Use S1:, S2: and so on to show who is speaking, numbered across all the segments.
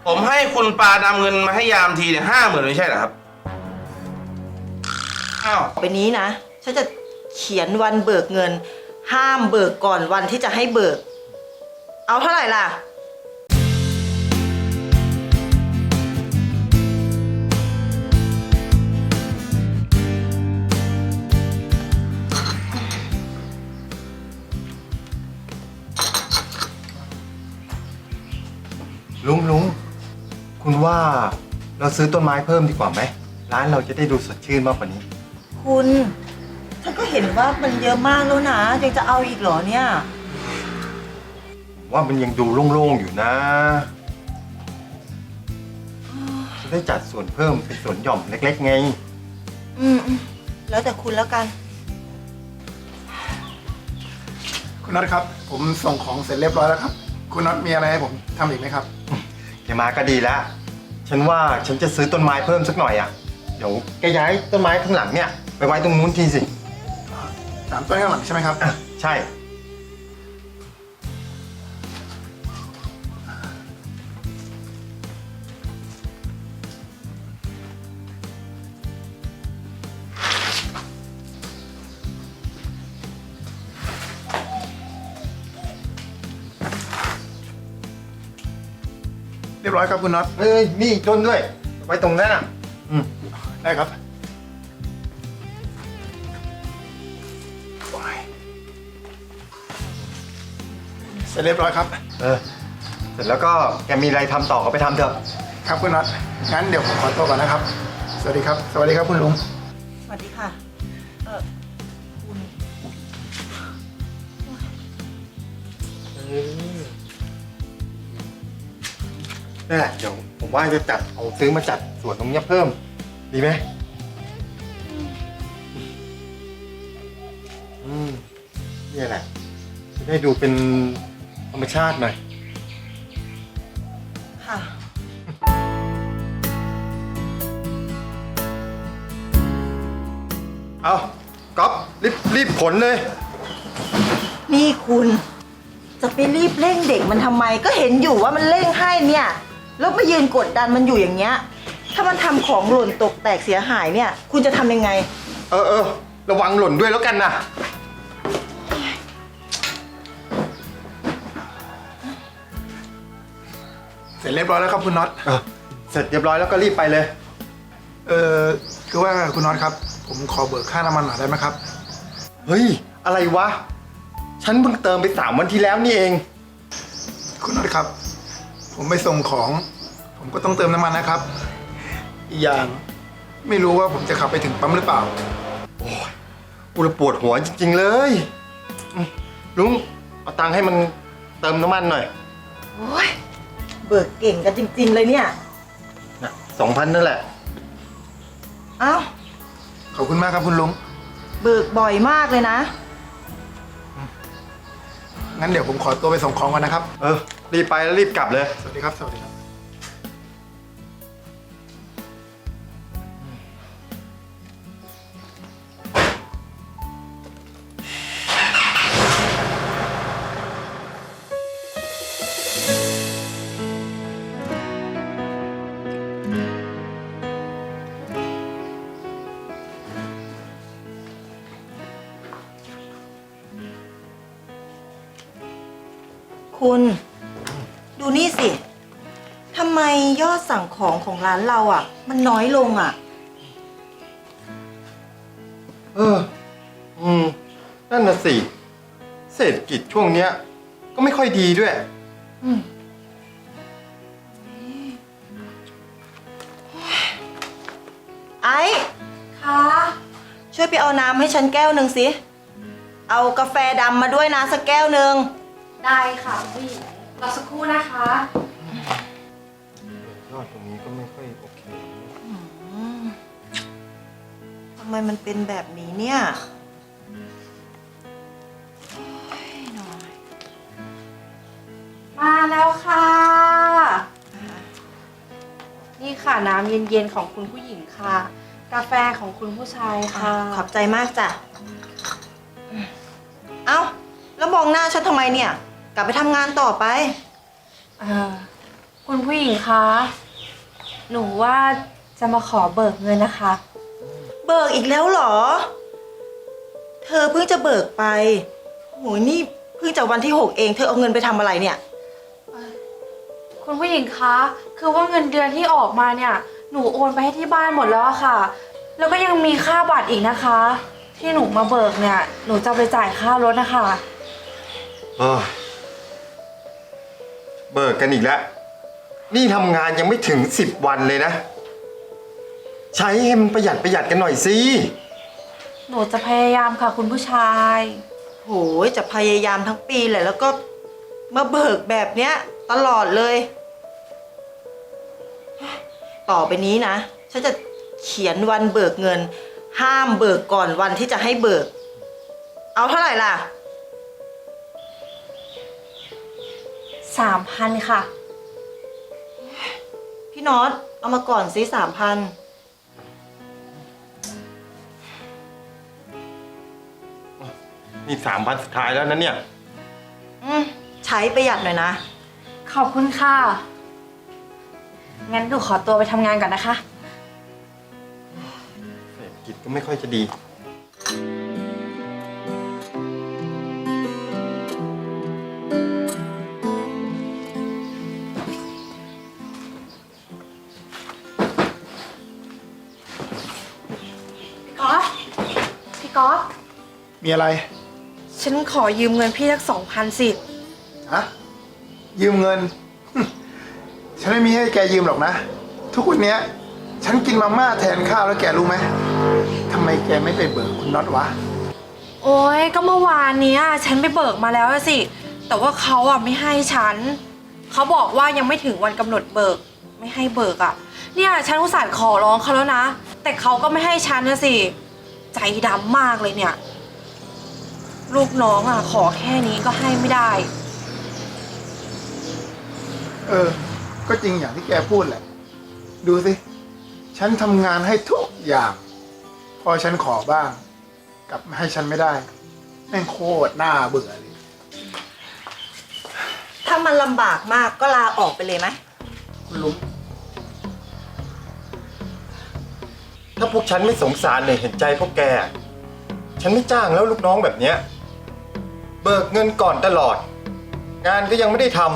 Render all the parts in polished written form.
S1: ผมให้คุณปาดำเงินมาให้ยามทีเนี่ย50,000ไม่ใช่เหรอครับอ้าว
S2: ไปนี้นะฉันจะเขียนวันเบิกเงิน ห้ามเบิกก่อนวันที่จะให้เบิก เอาเท่าไหร่ล่ะ
S3: ลุงคุณว่าเราซื้อต้นไม้เพิ่มดีกว่าไหมร้านเราจะได้ดูสดชื่นมากกว่านี้
S2: คุณฉันก็เห็นว่ามันเยอะมากแล้วนะยังจะเอาอีกเหรอเนี่ย
S3: ว่ามันยังดูโล่งๆอยู่นะจะได้จัดส่วนเพิ่มเป็นส่วนหย่อมเล็กๆไง
S2: แล้วแต่คุณแล้วกัน
S4: คุณน็อตครับผมส่งของเสร็จเรียบร้อยแล้วครับคุณน็อตมีอะไรให้ผมทำอีกไหมครับ
S3: แกมาก็ดีแล้วฉันว่าฉันจะซื้อต้นไม้เพิ่มสักหน่อยอ่ะเดี๋ยวแกย้ายต้นไม้ข้างหลังเนี่ยไปไว้ตรงนู้นทีสิ
S4: 3 ต้นข้างหลังใช่ไหมครับ
S3: ใช่
S4: เรียบร้อยครับคุณน็อต
S3: นี่อีกต้นด้วยไว้ตรงนั้นอ่ะ
S4: ได้ครับเสร็จเรียบร้อยครับ
S3: เสร็จแล้วก็แกมีอะไรทำต่อก็ไปทำเถอะ
S4: ครับคุณน็อตงั้นเดี๋ยวผมขอตัวก่อนนะครับสวัสดีครับสวัสดีครับคุณลุง
S2: สวัสดีค่ะคุณ
S3: นั่นแหละเดี๋ยวผมว่าจะซื้อมาจัดสวนตรงนี้เพิ่มดีไหมนี่แหละจะได้ดูเป็นธรรมชาติหน่อย
S2: ค่ะ
S3: เอาก๊อฟรีบผลเลย
S2: นี่คุณจะไปรีบเร่งเด็กมันทำไมก็เห็นอยู่ว่ามันเร่งให้เนี่ยแล้วมายืนกดดันมันอยู่อย่างเงี้ยถ้ามันทำของหล่นตกแตกเสียหายเนี่ยคุณจะทำยังไง
S3: ระวังหล่นด้วยแล้วกันนะ
S4: เสร็จเรียบร้อยแล้วครับคุณน็อต
S3: เสร็จเรียบร้อยแล้วก็รีบไปเลย
S4: คือว่าคุณน็อตครับผมขอเบิกค่าน้ำมันหน่อยได้ไหมครับ
S3: เฮ้ยอะไรวะฉันเพิ่งเติมไป3 วันที่แล้วนี่เอง
S4: คุณน็อตครับผมไปส่งของผมก็ต้องเติมน้ำมันนะครับอีกอย่างไม่รู้ว่าผมจะขับไปถึงปั๊มหรือเปล่า
S3: โอ้ยกูปวดหัวจริงๆเลยลุงเอาตังค์ให้มันเติมน้ำมันหน่อย
S2: โอ้ยเบิกเก่งกันจริงๆเลยเนี่ย
S3: นะ2,000นั่นแหละ
S2: เอ้า
S4: ขอบคุณมากครับคุณลุง
S2: เบิกบ่อยมากเลยนะ
S4: งั้นเดี๋ยวผมขอตัวไปส่งของก่อนนะครับ
S3: รีบไปแล้วรีบกลับเลย
S4: สวัสดีครับสวัสดีครับ
S2: คุณดูนี่สิทำไมยอดสั่งของของร้านเราอ่ะมันน้อยลงอ่ะ
S3: นั่นน่ะสิเศรษฐกิจช่วงเนี้ยก็ไม่ค่อยดีด้วย
S2: ไอ้
S5: ค่ะ
S2: ช่วยไปเอาน้ำให้ฉันแก้วหนึ่งสิเอากาแฟดำมาด้วยนะสักแก้วหนึ่ง
S5: ได้ค่ะพี่รอสักครู่นะคะ
S3: ยอดตรงนี้ก็ไม่ค่อยโอเค
S2: ทำไมมันเป็นแบบนี้เนี่ย
S5: มาแล้วค่ะนี่ค่ะน้ำเย็นๆของคุณผู้หญิงค่ะกาแฟของคุณผู้ชายค่ะ
S2: ขอบใจมากจ้ะเอ้าแล้วมองหน้าฉันทำไมเนี่ยกลับไปทำงานต่อไป
S5: คุณผู้หญิงคะ หนูว่าจะมาขอเบิกเงินนะคะ
S2: เบิกอีกแล้วเหรอ เธอเพิ่งจะเบิกไปโหนี่เพิ่งจะวันที่ 6เองเธอเอาเงินไปทำอะไรเนี่ย
S5: คุณผู้หญิงคะ คือว่าเงินเดือนที่ออกมาเนี่ย หนูโอนไปให้ที่บ้านหมดแล้วอะค่ะ แล้วก็ยังมีค่าบัตรอีกนะคะ ที่หนูมาเบิกเนี่ย หนูจะไปจ่ายค่ารถนะคะ
S3: เออเบิกกันอีกแล้ว นี่ทำงานยังไม่ถึง10 วันเลยนะ ใช้ให้มันประหยัดกันหน่อยสิ
S5: หนูจะพยายามค่ะคุณผู้ชาย
S2: โหยจะพยายามทั้งปีแหละแล้วก็มาเบิกแบบเนี้ยตลอดเลย ต่อไปนี้นะ ฉันจะเขียนวันเบิกเงิน ห้ามเบิกก่อนวันที่จะให้เบิก เอาเท่าไหร่ล่ะ
S5: 3,000 ค่ะ
S2: พี่น็อตเอามาก่อนสิ3,000
S3: นี่3,000สุดท้ายแล้วนะเนี่ย
S2: ใช้ประหยัดหน่อยนะ
S5: ขอบคุณค่ะ งั้นหนูขอตัวไปทำงานก่อนนะคะ
S3: เศรษฐกิจก็ไม่ค่อยจะดี
S5: พี่ก๊อฟ
S4: มีอะไร
S5: ฉันขอยืมเงินพี่สัก2,000 สิ
S4: ฮะ ยืมเงิน ฉันไม่มีให้แกยืมหรอกนะ ทุกวันเนี้ย ฉันกินมาม่าแทนข้าวแล้วแกรู้ไหมทำไมแกไม่ไปเบิกคุณน็อตวะ
S5: โอ้ยก็เมื่อวานเนี้ยฉันไปเบิกมาแล้วอะสิ แต่ว่าเขาอะไม่ให้ฉัน เขาบอกว่ายังไม่ถึงวันกำหนดเบิก ไม่ให้เบิกอะเนี่ยฉันอุตส่าห์ขอร้องเขาแล้วนะ แต่เขาก็ไม่ให้ฉันนะสิ ใจดำมากเลยเนี่ย ลูกน้องอะขอแค่นี้ก็ให้ไม่ได้
S4: ก็จริงอย่างที่แกพูดแหละ ดูสิ ฉันทำงานให้ทุกอย่าง พอฉันขอบ้าง กลับมาให้ฉันไม่ได้ แม่งโคตรน่าเบื่อเลย
S2: ถ้ามันลำบากมากก็ลาออกไปเลยไหม
S4: คุณลุง
S3: ถ้าพวกฉันไม่สงสารเลยเห็นใจพวกแก ฉันไม่จ้างแล้วลูกน้องแบบเนี้ย เบิกเงินก่อนตลอด งานก็ยังไม่ได้ทำ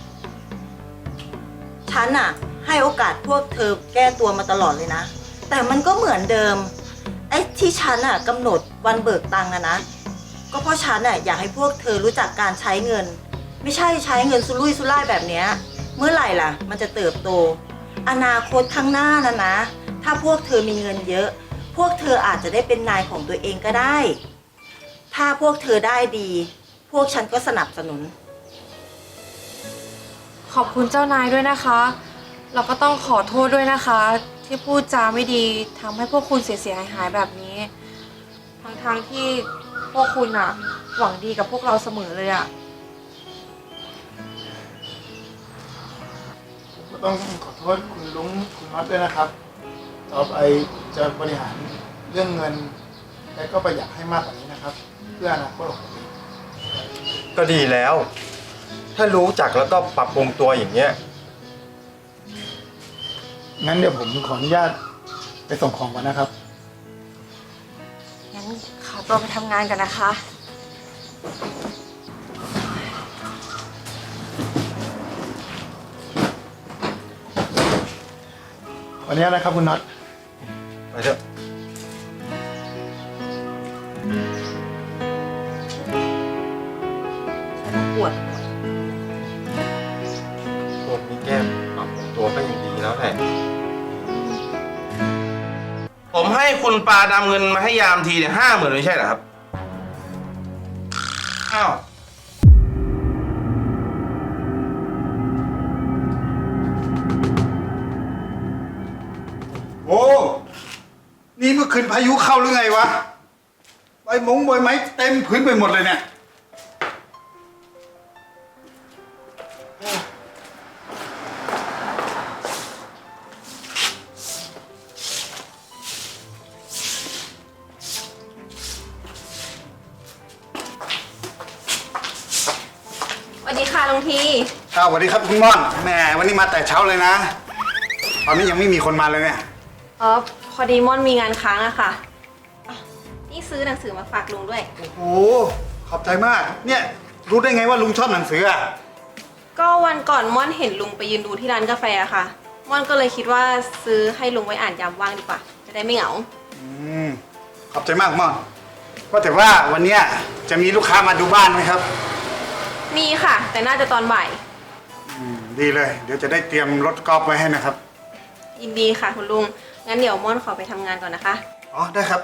S2: ฉันอะให้โอกาสพวกเธอแก้ตัวมาตลอดเลยนะ แต่มันก็เหมือนเดิม ไอ้ที่ฉันอะกำหนดวันเบิกตังค์นะ ก็เพราะฉันอะอยากให้พวกเธอรู้จักการใช้เงิน ไม่ใช่ใช้เงินสุรุ่ยสุร่ายแบบเนี้ย เมื่อไหร่ล่ะ มันจะเติบโต อนาคตข้างหน้านะ ถ้าพวกเธอมีเงินเยอะ พวกเธออาจจะได้เป็นนายของตัวเองก็ได้ ถ้าพวกเธอได้ดี พวกฉันก็สนับสนุน
S5: ขอบคุณเจ้านายด้วยนะคะ เราก็ต้องขอโทษด้วยนะคะ ที่พูดจาไม่ดีทำให้พวกคุณเสียหายแบบนี้ ทั้งที่พวกคุณอะหวังดีกับพวกเราเสมอเลยอะ
S4: ก็ต้องขอโทษคุณลุงคุณน็อตด้วยนะครับ ต่อไปจะบริหารเรื่องเงิน และก็ประหยัดให้มากกว่านี้นะครับ เพื่ออนาคตของผม
S3: ก็ดีแล้ว ถ้ารู้จักแล้วก็ปรับปรุงตัวอย่างเงี้ย
S4: งั้นเดี๋ยวผมขออนุญาตไปส่งของก่อนนะครับ
S5: งั้นขอตัวไปทำงานกันนะคะ
S4: วันนี้นะครับคุณน็อต
S3: ไปเถอะ
S2: ปวด
S3: พวกนี้แก้ปรับปรุงตัวก็ยังดีแล้วแหละ
S1: ผมให้คุณปาดำเงินมาให้ยามทีเนี่ย50,000ไม่ใช่เหรอครับ อ้าว
S6: โอ้ นี่เมื่อคืนพายุเข้าหรือไงวะ ใบไม้เต็มพื้นไปหมดเลยเนี่ย
S5: สวัสดีค่ะลุงที
S6: สวัสดีครับคุณม่อนแหมวันนี้มาแต่เช้าเลยนะ ตอนนี้ยังไม่มีคนมาเลยเนี่ย
S5: อ๋อ พอดีม่อนมีงานค้างอะค่ะอ่ะนี่ซื้อหนังสือมาฝากลุงด้วย
S6: โอ้โหขอบใจมาก เนี่ยรู้ได้ไงว่าลุงชอบหนังสืออ่ะ
S5: ก็วันก่อนม่อนเห็นลุงไปยืนดูที่ร้านกาแฟอะค่ะ ม่อนก็เลยคิดว่าซื้อให้ลุงไว้อ่านยามว่างดีกว่า จะได้ไม่เหงา
S6: ขอบใจมากม่อนว่าแต่ว่าวันเนี้ยจะมีลูกค้ามาดูบ้านไหมครับ
S5: มีค่ะ แต่น่าจะตอนบ่าย
S6: ดีเลย เดี๋ยวจะได้เตรียมรถกอล์ฟไว้ให้นะครับ
S5: ยินดีค่ะคุณลุง งั้นเดี๋ยวม่อนขอไปทำงานก่อนนะคะ
S6: อ๋อได้ครับ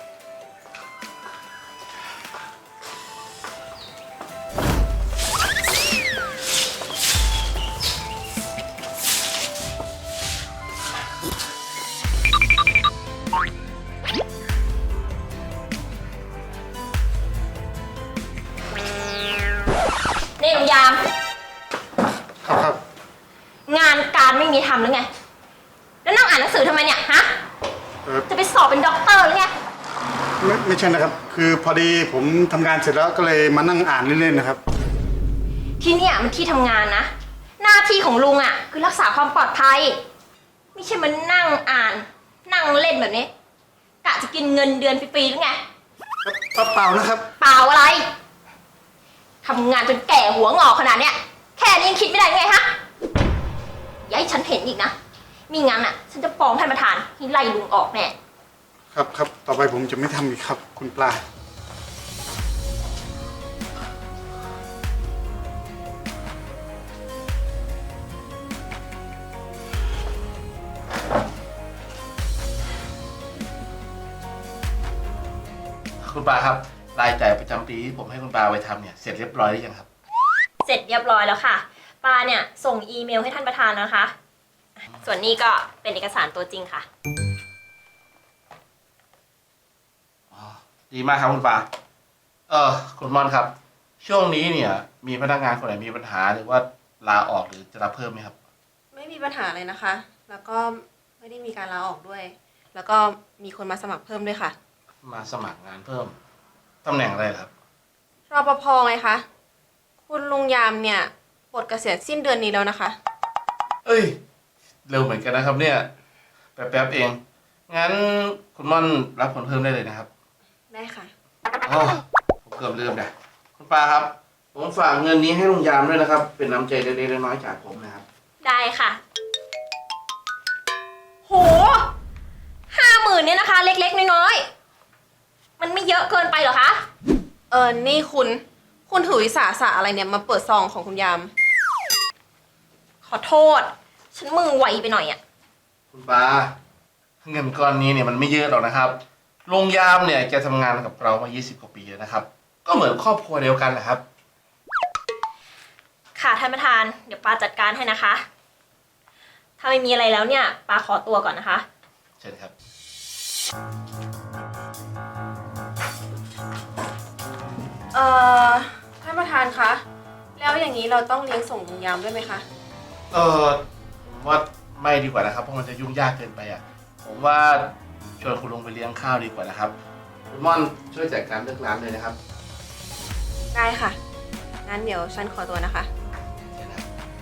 S7: นี่ลุงยาม
S6: ครับ
S7: งานการไม่มีทำหรือไง แล้วนั่งอ่านหนังสือทำไมเนี่ยฮะ จะไปสอบเป็นด็อกเตอร์หรือไง
S6: ไม่ใช่นะครับ คือพอดีผมทำงานเสร็จแล้วก็เลยมานั่งอ่านเล่นๆนะครับ
S7: ที่เนี่ยมันที่ทำงานนะ หน้าที่ของลุงอ่ะคือรักษาความปลอดภัย ไม่ใช่มานั่งอ่าน นั่งเล่นแบบนี้กะจะกินเงินเดือนฟรีๆหรือไง
S6: เปล่านะครับ
S7: เปล่าอะไรทำงานจนแก่หัวงอกขนาดเนี้ยแค่นี้ยังคิดไม่ได้ไงฮะอย่าให้ฉันเห็นอีกนะมีงั้นอ่ะ ฉันจะฟ้องท่านประธานให้ไล่ลุงออกแน่
S6: ครับ ต่อไปผมจะไม่ทำอีกครับ คุณปลา
S1: คุณปาครับ รายจ่ายประจำปีที่ผมให้คุณปาไว้ทำเนี่ย เสร็จเรียบร้อยหรือยังครับ
S7: เสร็จเรียบร้อยแล้วค่ะปาเนี่ยส่งอีเมลให้ท่านประธานนะคะ ส่วนนี้ก็เป็นเอกสารตัวจริงค่ะ
S1: ดีมากครับคุณปาคุณม่อนครับ ช่วงนี้เนี่ย มีพนักงานคนไหนมีปัญหาหรือว่าลาออกหรือจะรับเพิ่มไหมครับ
S5: ไม่มีปัญหาเลยนะคะ แล้วก็ไม่ได้มีการลาออกด้วย แล้วก็มีคนมาสมัครเพิ่มด้วยค่ะ
S1: มาสมัครงานเพิ่มตำแหน่งอะไรครับ
S5: รปภไงคะ คุณลุงยามเนี่ยปลดเกษียณสิ้นเดือนนี้แล้วนะคะ
S1: เอ้ย เร็วเหมือนกันนะครับเนี่ย แป๊บๆเอง งั้นคุณม่อนรับคนเพิ่มได้เลยนะครับ
S5: ได้ค่ะ
S1: อ๋อผมเกือบลืมนะคุณปาครับ ผมฝากเงินนี้ให้ลุงยามด้วยนะครับ เป็นน้ำใจเล็กๆน้อยๆจากผมนะครับ
S7: ได้ค่ะ โห50,000เนี่ยนะคะ เล็กๆน้อยๆมันไม่เยอะเกินไปเหรอคะ
S5: นี่คุณถือวิสาสะอะไรเนี่ยมาเปิดซองของคุณยาม
S7: ขอโทษ ฉันมือไวไปหน่อยอะ
S1: คุณปาเงินก้อนนี้เนี่ยมันไม่เยอะหรอกนะครับลุงยามเนี่ยแกทำงานกับเรามา20 กว่าปีแล้วนะครับ ก็เหมือนครอบครัวเดียวกันแหละครับ
S7: ค่ะท่านประธาน เดี๋ยวปาจัดการให้นะคะ ถ้าไม่มีอะไรแล้วเนี่ยปาขอตัวก่อนนะคะ
S1: เชิญครับ
S5: ท่านประธานคะ แล้วอย่างนี้เราต้องเลี้ยงส่งลุงยามด้วยไหมคะ
S1: ผมว่าไม่ดีกว่านะครับ เพราะมันจะยุ่งยากเกินไปอ่ะ ผมว่าชวนคุณลุงไปเลี้ยงข้าวดีกว่านะครับ คุณม่อนช่วยจัดการเรื่องร้านเลยนะครับ
S5: ได้ค่ะ งั้นเดี๋ยวฉันขอตัวนะคะ
S1: เชิญครับ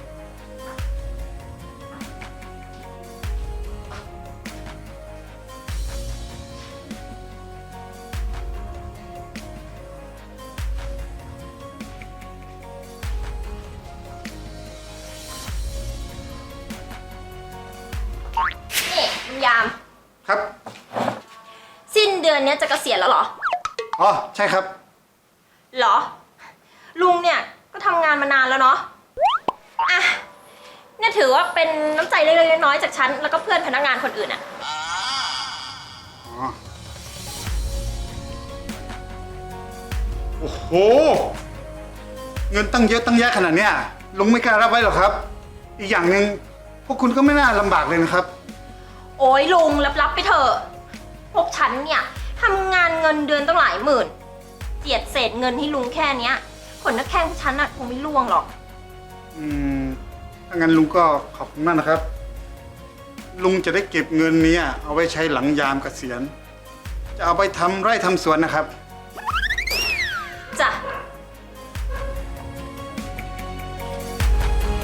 S7: นี่ลุงยาม
S6: ครับ
S7: สิ้นเดือนเนี้ยจะเกษียณแล้วเหรอ
S6: อ๋อใช่ครับ
S7: เหรอ ลุงเนี่ยก็ทำงานมานานแล้วเนาะ อ่ะ เนี่ยถือว่าเป็นน้ำใจเล็กๆน้อยๆจากฉันแล้วก็เพื่อนพนักงานคนอื่นอะ
S6: อ๋อ โอ้โห เงินตั้งเยอะตั้งแยะขนาดเนี้ยลุงไม่กล้ารับไว้หรอกครับ อีกอย่างหนึ่งพวกคุณก็ไม่น่าลำบากเลยนะครับ
S7: โอ้ยลุงรับๆไปเถอะ พวกฉันเนี่ยทำงานเงินเดือนตั้งหลายหมื่นเจียดเศษเงินให้ลุงแค่เนี้ยขนนักแข้งพวกฉันอะคงไม่ร่วงหรอก
S6: ถ้างั้นลุงก็ขอบคุณมากนะครับ ลุงจะได้เก็บเงินนี้เอาไว้ใช้หลังยามเกษียณ จะเอาไปทำไร่ทำสวนนะครับ
S7: จ้ะ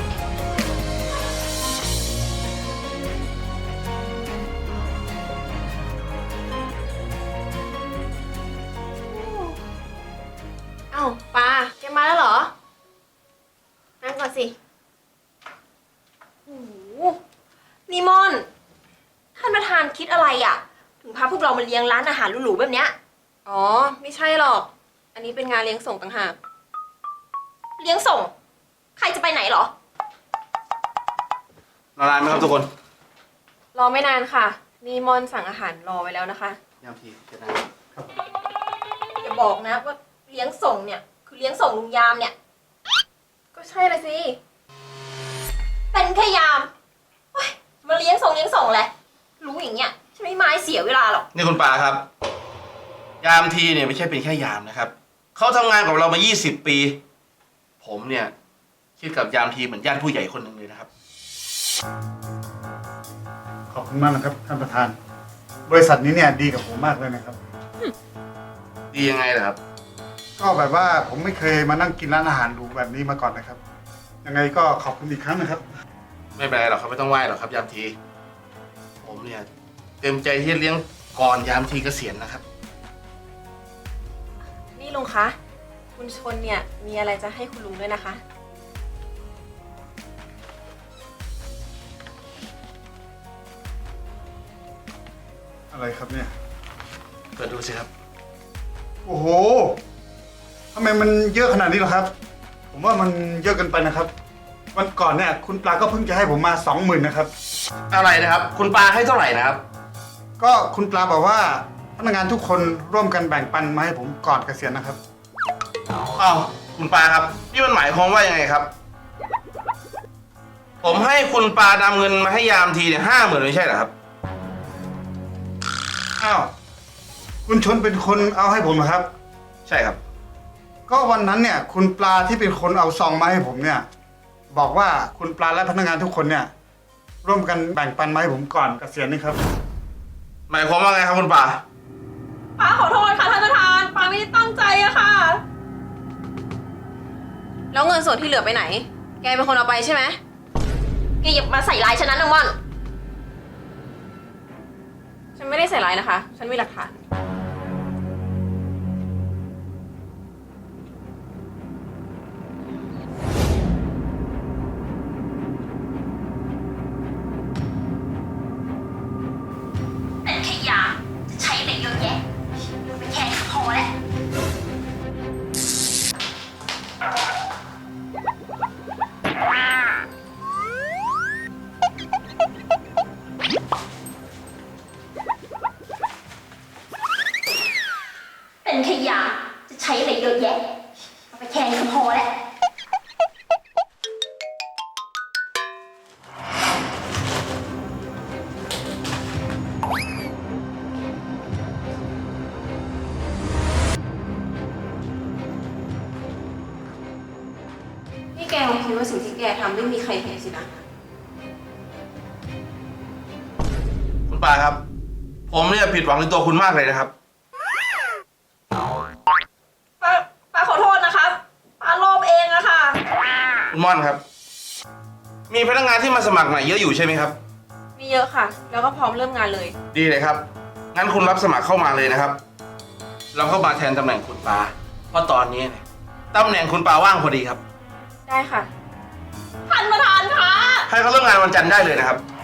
S7: นี่ม่อน ท่านประธานคิดอะไรอ่ะ ถึงพาพวกเรามาเลี้ยงร้านอาหารหรูๆแบบเนี้ย
S5: อ๋อ ไม่ใช่หรอก อันนี้เป็นงานเลี้ยงส่งต่างหาก
S7: เลี้ยงส่ง ใครจะไปไหนเหรอ
S1: รอนานไหมครับทุกคน
S5: รอไม่นานค่ะ นี่มอนสั่งอาหารรอไว้แล้วนะคะ
S1: ยามทีเจะน
S7: อย่าบอกนะว่าเลี้ยงส่งเนี่ยคือเลี้ยงส่งลุงยามเนี่ย
S5: ก็ใช่ละสิ
S7: เป็นแค่ยามเฮ้ยมาเลี้ยงส่งแหละ รู้อย่างเงี้ยฉันไม่มาให้เสียเวลาหรอก
S1: นี่คุณปาครับ ยามทีเนี่ยไม่ใช่เป็นแค่ยามนะครับ เขาทำงานกับเรามา 20 ปี ผมเนี่ยคิดกับยามทีเหมือนญาติผู้ใหญ่คนหนึ่งเลยนะครับ
S6: ขอบคุณมากนะครับท่านประธาน บริษัทนี้เนี่ยดีกับผมมากเลยนะครับ
S1: ดียังไงล่ะครับ
S6: ก็แบบว่าผมไม่เคยมานั่งกินร้านอาหารหรูแบบนี้มาก่อนนะครับ ยังไงก็ขอบคุณอีกครั้งนะครับ
S1: ไม่เป็นไรหรอกครับไม่ต้องไหว้หรอกครับยามที ผมเนี่ยเต็มใจที่จะเลี้ยงก่อนยามทีเกษียณนะครับ
S5: นี่ลุงคะ คุณชนเนี่ยมีอะไรจะให้คุณลุงด้วยนะคะ
S6: อะไรครับเนี่ย
S1: เปิดดูสิครับ
S6: โอ้โหทำไมมันเยอะขนาดนี้เหรอครับ ผมว่ามันเยอะเกินไปนะครับ วันก่อนเนี่ยคุณปลาก็เพิ่งจะให้ผมมา 20,000นะครับ
S1: อะไรนะครับ คุณปาให้เท่าไหร่นะครับ
S6: ก็คุณปลาบอกว่าพนักงานทุกคนร่วมกันแบ่งปันมาให้ผมก่อนเกษียณนะครับ
S1: อ้าวคุณปาครับนี่มันหมายความว่ายังไงครับ ผมให้คุณปานำเงินมาให้ยามทีเนี่ย50,000ไม่ใช่เหรอครับ
S6: อ้าว คุณชนเป็นคนเอาให้ผมเหรอครับ
S1: ใช่ครับ
S6: ก็วันนั้นเนี่ยคุณปลาที่เป็นคนเอาซองมาให้ผมเนี่ย บอกว่าคุณปลาและพนักงานทุกคนเนี่ย ร่วมกันแบ่งปันมาให้ผมก่อนเกษียณนี่ครับ
S1: หมายความว่าไงครับคุณปา
S7: ป้าขอโทษค่ะท่านประธานป้าไม่ได้ตั้งใจอะค่ะ
S5: แล้วเงินส่วนที่เหลือไปไหน แกเป็นคนเอาไปใช่ไหม
S7: แกอย่ามาใส่ร้ายฉันนะนางม่อน
S5: ฉันไม่ได้ใส่ร้ายนะคะ ฉันมีหลักฐาน
S7: เป็นแค่ยาจะใช้อะไรเยอะแยะไม่แค่นี้ก็พอแล้ว เป็นแค่ยาจะใช้อะไรเยอะแยะไม่แค่นี้ก็พอแล้ว
S5: นี่แกคงคิดว่าสิ่งที่แกทำไม่มีใครเห็นสินะ
S1: คุณปาครับ ผมเนี่ยผิดหวังในตัวคุณมากเลยนะครับ
S7: ป้าขอโทษนะครับป้าโลภเองอะค่ะ
S1: คุณม่อนครับ มีพนักงานที่มาสมัครใหม่เยอะอยู่ใช่ไหมครับ
S5: มีเยอะค่ะ แล้วก็พร้อมเริ่มงานเลย
S1: ดีเลยครับ งั้นคุณรับสมัครเข้ามาเลยนะครับ เราเข้ามาแทนตำแหน่งคุณปา เพราะตอนนี้เนี่ยตำแหน่งคุณปาว่างพอดีครับ
S5: ได้ค่ะ
S7: ท่านประธานคะ
S1: ให้เขาเริ่มงานวันจันทร์ได้เลยนะครับ